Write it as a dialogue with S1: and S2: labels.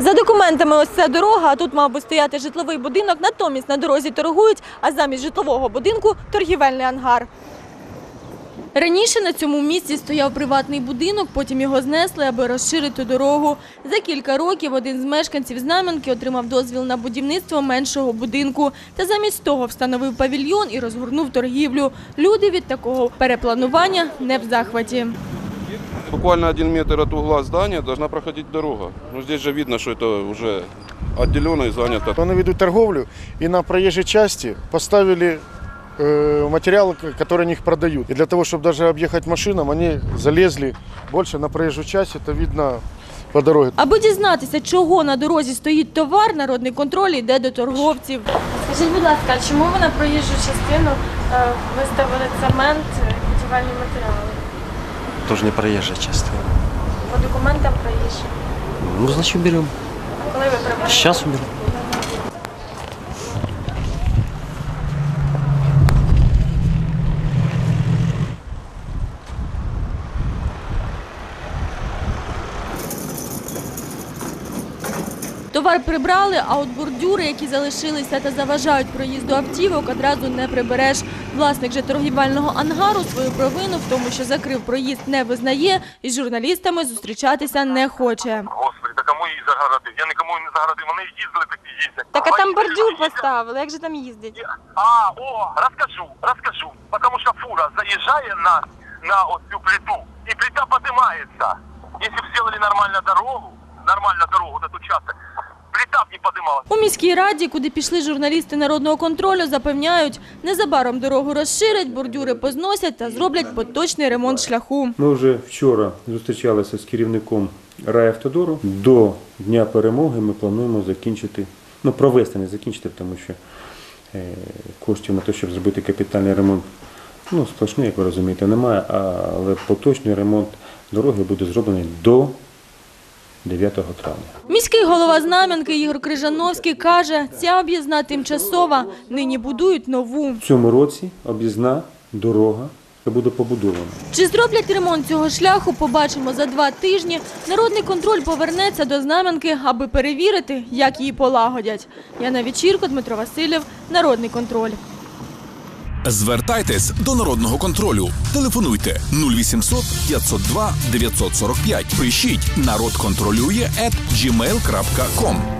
S1: За документами ось ця дорога, а тут мав би стояти житловий будинок, натомість на дорозі торгують, а замість житлового будинку – торгівельний ангар. Раніше на цьому місці стояв приватний будинок, потім його знесли, аби розширити дорогу. За кілька років один з мешканців Знам'янки отримав дозвіл на будівництво меншого будинку. Та замість того встановив павільйон і розгорнув торгівлю. Люди від такого перепланування не в захваті.
S2: Буквально 1 метр от угла здания должна проходить дорога. Но здесь же видно, что это уже отделено и занято.
S3: Они ведут торговлю, и на проезжей части поставили материалы, которые они их продают. И для того, чтобы даже объехать машинам, они залезли больше на проезжую часть, это видно по дороге.
S1: Аби дізнатися, чого на дорозі стоїть товар, народний контроль йде до торговців. Скажіть, будь ласка, чому ви на проїжджу частину виставили цемент і будівельні матеріали?
S4: Тоже не проезжая частина.
S1: По документам проїжджі.
S4: Ну, значит, берем.
S1: Коли ви приберете?
S4: Сейчас уберем.
S1: Товар прибрали, а от бордюри, які залишилися та заважають проїзду автівок, одразу не прибереш. Власник же торгівельного ангару свою провину в тому, що закрив проїзд, не визнає і з журналістами зустрічатися не хоче.
S5: Господи, та кому її загородив? Я нікому не загородив, вони їздили, так і їздять.
S1: Так а там бордюр поставили, як же там їздять?
S5: Розкажу. Потому що фура заїжджає на цю плиту, і плита піднімається. Якщо б зробили нормальну дорогу, этот участок, плита б не піднімалася.
S1: У міській раді, куди пішли журналісти народного контролю, запевняють, незабаром дорогу розширять, бордюри позносять та зроблять поточний ремонт шляху.
S6: Ми вже вчора зустрічалися з керівником райавтодору. До Дня перемоги ми плануємо закінчити, провести, не закінчити, тому що коштів на те, щоб зробити капітальний ремонт, сплошний, як ви розумієте, немає, але поточний ремонт дороги буде зроблений до 9 травня.
S1: Міський голова Знам'янки Ігор Крижановський каже, ця об'їзна тимчасова, нині будують нову.
S6: В цьому році об'їзна дорога буде побудована.
S1: Чи зроблять ремонт цього шляху, побачимо за 2 тижні. Народний контроль повернеться до Знам'янки, аби перевірити, як її полагодять. Яна Вечірко, Дмитро Васильєв, Народний контроль.
S7: Звертайтесь до Народного контролю. Телефонуйте 0800 502 945. Пишіть «Народ контролює» @gmail.com.